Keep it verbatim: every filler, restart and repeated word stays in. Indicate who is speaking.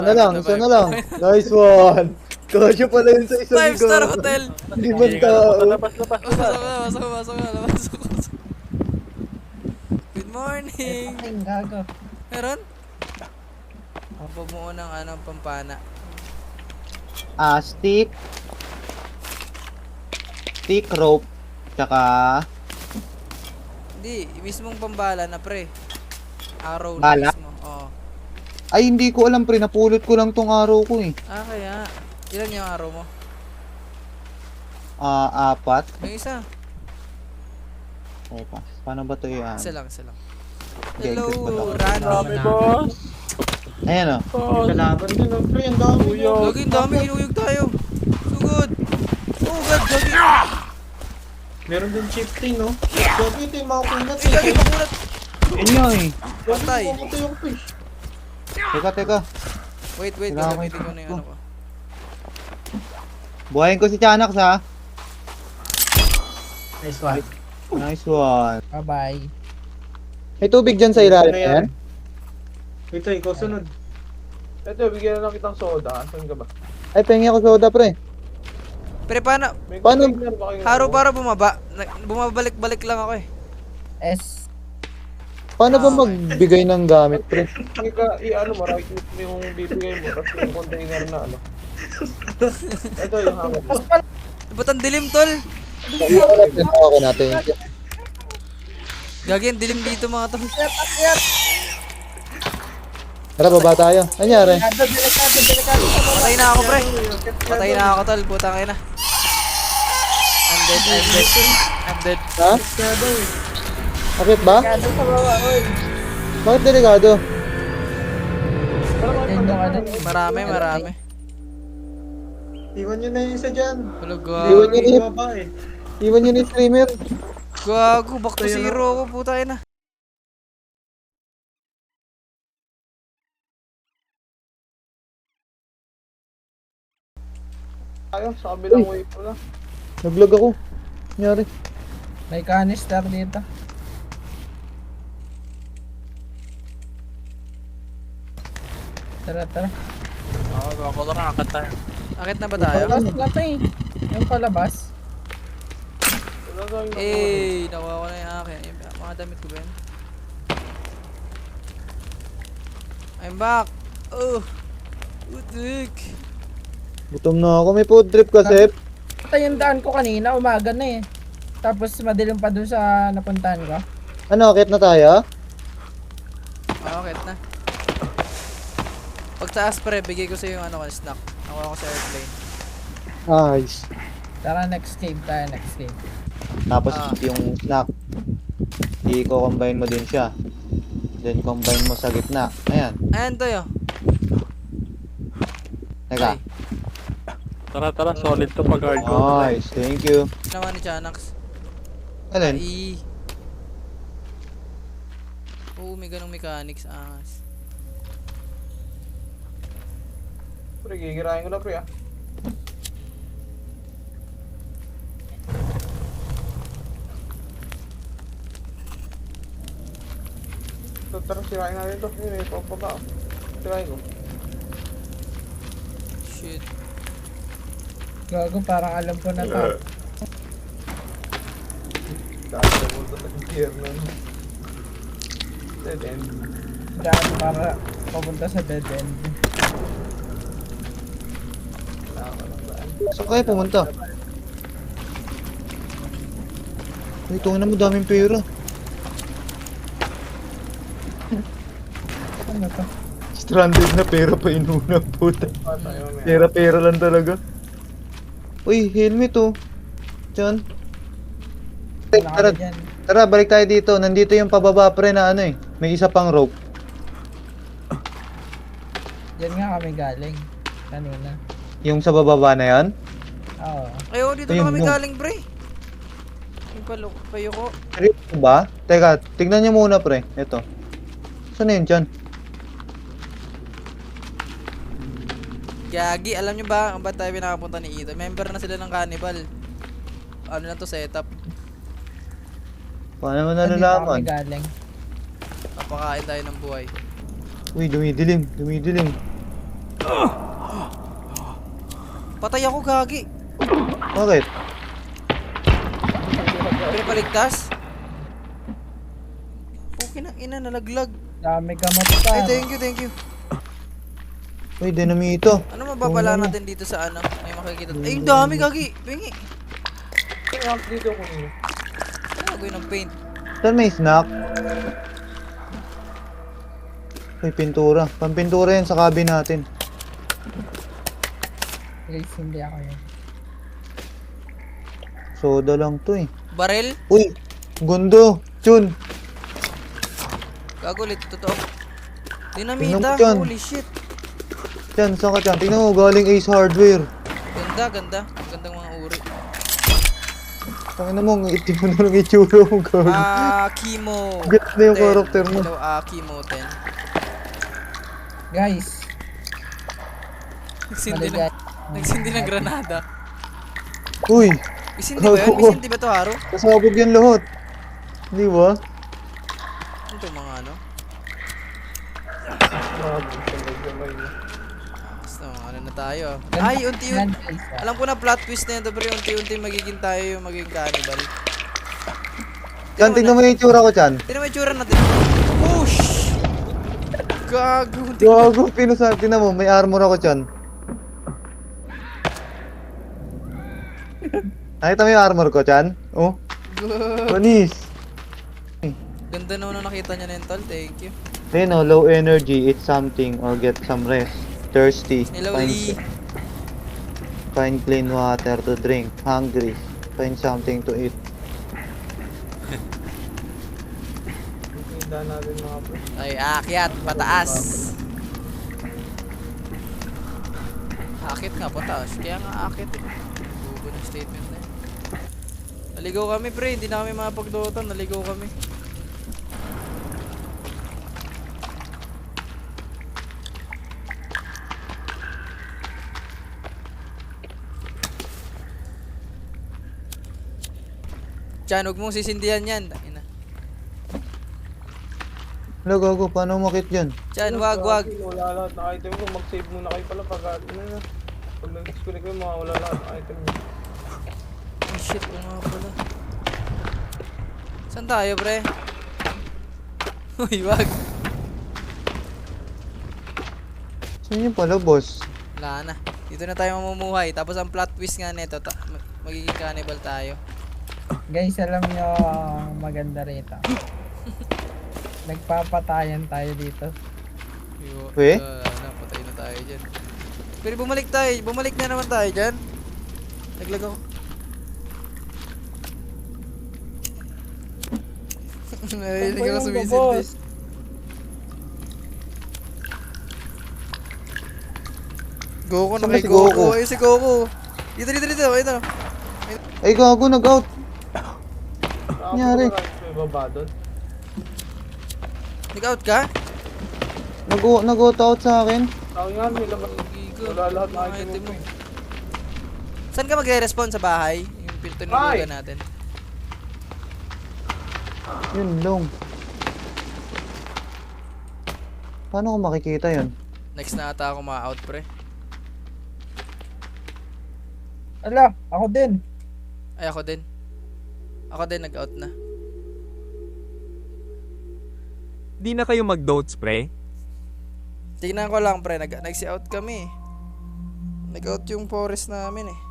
Speaker 1: na lang, isa na lang. Nice one. Kasya pala yun sa isang
Speaker 2: Five star hotel.
Speaker 1: Limang tao.
Speaker 3: Labas, labas,
Speaker 2: Pasok
Speaker 3: labas.
Speaker 2: ka, pasok ka, pasok ka, pasok ka. Good morning.
Speaker 4: Ay, gago.
Speaker 2: Meron? Ang bumuo ng ano, pampana.
Speaker 1: Ah, stick. Stick rope. Tsaka...
Speaker 2: Hindi, mismong pambala na pre. Arrow na
Speaker 1: Bala?
Speaker 2: mismo. Oo.
Speaker 1: Ay, hindi ko alam pre. Napulot ko lang tong araw ko eh.
Speaker 2: Ah, kaya. Ilan yung arrow mo?
Speaker 1: Ah, apat.
Speaker 2: Yung isa.
Speaker 1: Teka, paano ba ito yan?
Speaker 2: Isa lang, isa lang.
Speaker 1: Okay,
Speaker 2: Hello,
Speaker 1: good ba to?
Speaker 2: Rano.
Speaker 3: Dami, boss.
Speaker 1: Ayan o.
Speaker 3: Boss.
Speaker 4: Kalaban din, oh, pre. Ang dami.
Speaker 3: Uyog.
Speaker 2: Lagi, ang dami, inuyog tayo. So good. Oh god, Gagi.
Speaker 4: Meron din chieftain, no? Gago ito yung mga kunat.
Speaker 2: Eh, Gagi, pakulat.
Speaker 1: Yun nga eh.
Speaker 2: Patay.
Speaker 4: Ito yung fish.
Speaker 1: Teka, teka.
Speaker 2: Wait, wait,
Speaker 1: Kailangan
Speaker 2: gagamitin ko na yung
Speaker 1: ko.
Speaker 2: ano ko.
Speaker 1: Buhayin ko si Chanax ha.
Speaker 4: Nice one.
Speaker 1: Nice one.
Speaker 4: Bye-bye.
Speaker 1: May tubig dyan sa ilalim na yan?
Speaker 4: Ito, ikaw sunod.
Speaker 3: Ito, bigyan na lang kitang soda. Saan ka ba?
Speaker 1: Ay, pengi ako soda pre.
Speaker 2: Pre, paano?
Speaker 3: May
Speaker 1: Paano-
Speaker 3: container ba kayo?
Speaker 2: Haro para bumaba. Na- Bumabalik-balik lang ako eh.
Speaker 4: S.
Speaker 1: Paano ba
Speaker 2: Ah, okay.
Speaker 1: magbigay ng gamit pre?
Speaker 3: Ika, i-ano mo, right click mo yung bibigay mo, tapos yung container na ano. Ito yung hammer.
Speaker 2: Ba't ang dilim, tol?
Speaker 1: Ako natin.
Speaker 2: Gagi, ang dilim dito mga tol.
Speaker 1: Tara, baba tayo. Anyari?
Speaker 4: Delikado, delikado, delikado.
Speaker 2: Patay na ako, pre. Patay na ako, tol. Putang ina. I'm dead, I'm dead. I'm dead.
Speaker 1: Ha?
Speaker 4: Delikado, eh.
Speaker 1: Bakit ba?
Speaker 4: Delikado sa baba, oy.
Speaker 1: Bakit delikado?
Speaker 4: Yan yung ano.
Speaker 2: Marami, marami.
Speaker 4: Iwan nyo na yung isa dyan.
Speaker 2: Hello,
Speaker 1: Iwan
Speaker 2: gago.
Speaker 1: niyo
Speaker 4: Yung baba, eh.
Speaker 1: Iwan nyo ni streamer.
Speaker 2: Gago, back to zero ako, puta ina.
Speaker 3: Tayo, sa kabilang way pala.
Speaker 1: Naglag ako. Anyari?
Speaker 4: May canister dito. Tara, tara.
Speaker 3: Oo, ako lang nakakata.
Speaker 2: Akit na ba tayo?
Speaker 4: Palabas na to eh. Yung palabas.
Speaker 3: Wala tayong nakuha.
Speaker 2: Eh, nakuha ko na yung akin. Yung mga damit ko ba yun? I'm back. Oh. Utik.
Speaker 1: Gutom na ako. May food trip kasi.
Speaker 4: Ito yung daan ko kanina, umaga na eh. Tapos madilim pa dun sa napuntahan ko.
Speaker 1: Ano, akit na tayo?
Speaker 2: Oh, akit na. Pag taas pre, bigay ko sa yung ano ko, snack. Nakuha ko sa airplane.
Speaker 1: Nice.
Speaker 4: Tara, next cave tayo, next cave.
Speaker 1: Tapos
Speaker 2: Ah.
Speaker 1: yung snack. I-combine mo din siya. Then combine mo sa gitna. Ayan.
Speaker 2: Ayan to yo.
Speaker 1: Teka.
Speaker 3: Tara, tara, solid to pag hardcore.
Speaker 1: Nice. Thank you.
Speaker 2: Naman ni Chanax.
Speaker 1: Alin?
Speaker 2: Ay. Oo, may ganong mechanics. Angas.
Speaker 3: Pre, gigirahin ko na pre ah. Ito, tara, sirain natin ito. Yun, ito, papa. Sirain ko.
Speaker 2: Shit.
Speaker 4: Gago, parang alam ko na to.
Speaker 3: Dahil sa multo sa gear na. Dead end.
Speaker 4: Daan para papunta sa dead end.
Speaker 3: Tama lang ba?
Speaker 1: Saan kayo pumunta? Ito na mo daming pera.
Speaker 4: Ano to?
Speaker 1: Stranded na pera pa inuna puta.
Speaker 3: Ah, tayo na yan.
Speaker 1: Pera-pera lang talaga. Uy, helmet oh. Diyan.
Speaker 4: Wala
Speaker 1: Tara,
Speaker 4: ka dyan.
Speaker 1: tara, balik tayo dito. Nandito yung pababa pre na ano eh. May isa pang rope.
Speaker 4: Yan nga kami galing. Kanina.
Speaker 1: Yung sa bababa na yan.
Speaker 4: Oo.
Speaker 2: Ay, oh, dito
Speaker 1: Ayun,
Speaker 2: na kami
Speaker 1: no.
Speaker 2: galing, pre. Yung palo, payo ko.
Speaker 1: Seryoso ba? Teka, tignan nyo muna pre. Ito. Saan na yun dyan?
Speaker 2: Gagi, alam nyo ba ang ba't tayo pinakapunta ni Ito? Member na sila ng Cannibal. Ano na to, setup.
Speaker 1: Paano mo
Speaker 4: Nandito
Speaker 1: nalalaman?
Speaker 4: kami galing.
Speaker 2: Napakain tayo ng buhay.
Speaker 1: Uy, dumidilim. Dumidilim.
Speaker 2: Patay ako, gagi.
Speaker 1: Bakit?
Speaker 2: Pinapaligtas? Okay na, ina, nalaglag.
Speaker 4: Dami gamot pa.
Speaker 2: Ay, thank you, thank you.
Speaker 1: Uy, dinamito.
Speaker 2: Ano mababala
Speaker 1: Oo,
Speaker 2: natin dito sa ano? May makikita. Ay, yung dami, gagi. Pingi.
Speaker 3: Kaya dito ko niyo.
Speaker 2: Ano gagawin ng paint?
Speaker 1: Saan may snack? Uy, pintura. Pampintura yan sa cabin natin.
Speaker 4: Guys, hindi ako yun.
Speaker 1: Soda lang to eh.
Speaker 2: Barel?
Speaker 1: Uy, gundo. Chun.
Speaker 2: Gago ulit, totoo.
Speaker 1: Tingnan
Speaker 2: Dinamita,
Speaker 1: mo dyan.
Speaker 2: holy shit.
Speaker 1: Chan, saan ka dyan? Tingnan mo, galing Ace Hardware.
Speaker 2: Ganda, ganda. Ang gandang mga uri.
Speaker 1: Tangina mo, ang itim mo na lang itsura mo, gago.
Speaker 2: Ah, Kimo.
Speaker 1: Get na yung
Speaker 2: ten.
Speaker 1: character mo.
Speaker 2: Hello, ah, Kimo ten.
Speaker 4: Guys,
Speaker 2: Nagsindi
Speaker 4: maligay.
Speaker 2: ng, nagsindi ng granada.
Speaker 1: Uy,
Speaker 2: Isindi ba yun?
Speaker 1: Gago.
Speaker 2: Isindi ba to, Haro?
Speaker 1: kasabog yan lahat. Di ba?
Speaker 2: Ano to mga ano?
Speaker 3: Grabe, sabay-sabay niya.
Speaker 2: Basta mga ano na tayo. ah. Ay, unti-unti.
Speaker 4: Guys, ah.
Speaker 2: Alam ko na plot twist na yun, pero unti-unti magiging tayo yung magiging cannibal.
Speaker 1: Chan, tingnan mo yung itsura ko, Chan.
Speaker 2: Tignan mo yung tsura natin. Push! Gago. tignan-
Speaker 1: Gago, pinusa. Tingnan mo, may armor ako, Chan. Nakita mo yung armor ko, Chan? Oh, panis.
Speaker 2: Ganda naman nung nakita niya na yun, tol. Thank you.
Speaker 1: Then, oh, low energy, eat something or get some rest. Thirsty,
Speaker 2: Hello,
Speaker 1: find,
Speaker 2: Lee.
Speaker 1: find clean water to drink. Hungry, find something to eat.
Speaker 3: Hindi natin mga pre.
Speaker 2: Ay, aakyat, pataas. Akit nga, pataas. Kaya nga akit eh. Bubo ng statement na yun. Naligaw kami, pre. Hindi na kami mapagdotan. Naligaw kami. Chan, huwag mong sisindihan yan. Ina.
Speaker 1: Wala, gago, paano umakit dyan?
Speaker 2: Chan, wag, wag.
Speaker 3: Grabe, Wala lahat ng item ko. Mag-save muna kayo pala pag ano na. Pag nag-disconnect kayo, mawawala lahat ng item niyo.
Speaker 2: Oh shit, oo nga pala. Saan tayo, pre? Uy, wag.
Speaker 1: Saan yung pala, boss?
Speaker 2: Wala na. Dito na tayo mamumuhay. Tapos ang plot twist nga nito, ta- mag- magiging cannibal tayo.
Speaker 4: Guys, alam nyo, ang maganda rito. Nagpapatayan tayo dito.
Speaker 2: Yo,
Speaker 1: We?
Speaker 2: uh, napatay na tayo dyan. Pero bumalik tayo. Bumalik na naman tayo dyan. Naglag ako. Narinig ako
Speaker 4: yung
Speaker 2: sumisindi.
Speaker 4: boss?
Speaker 2: Goku na
Speaker 1: Saan ba
Speaker 2: kay
Speaker 1: si
Speaker 2: Goku.
Speaker 1: Goku?
Speaker 2: Ayun si Goku. Dito, dito, dito. Ito.
Speaker 1: Ay, gago, nag-out.
Speaker 3: Saan
Speaker 1: Nangyari?
Speaker 3: ko na may baba doon?
Speaker 2: Nag-out ka?
Speaker 1: Nag- Nag-out out sa akin.
Speaker 3: Tao nga, may labas.
Speaker 2: Gigo.
Speaker 3: Wala lahat ng
Speaker 2: Mga
Speaker 3: item mo.
Speaker 2: Saan ka magre-respond sa bahay? Yung pintunugan natin.
Speaker 1: Yun long. Paano ko makikita yun?
Speaker 2: Next na ata ako ma-out, pre.
Speaker 4: Ala, ako din.
Speaker 2: Ay, ako din. Ako din nag-out na.
Speaker 5: Di na kayo mag-dotes, pre?
Speaker 2: Tingnan ko lang, pre. Nag- Nag-out kami. Nag-out yung forest namin eh.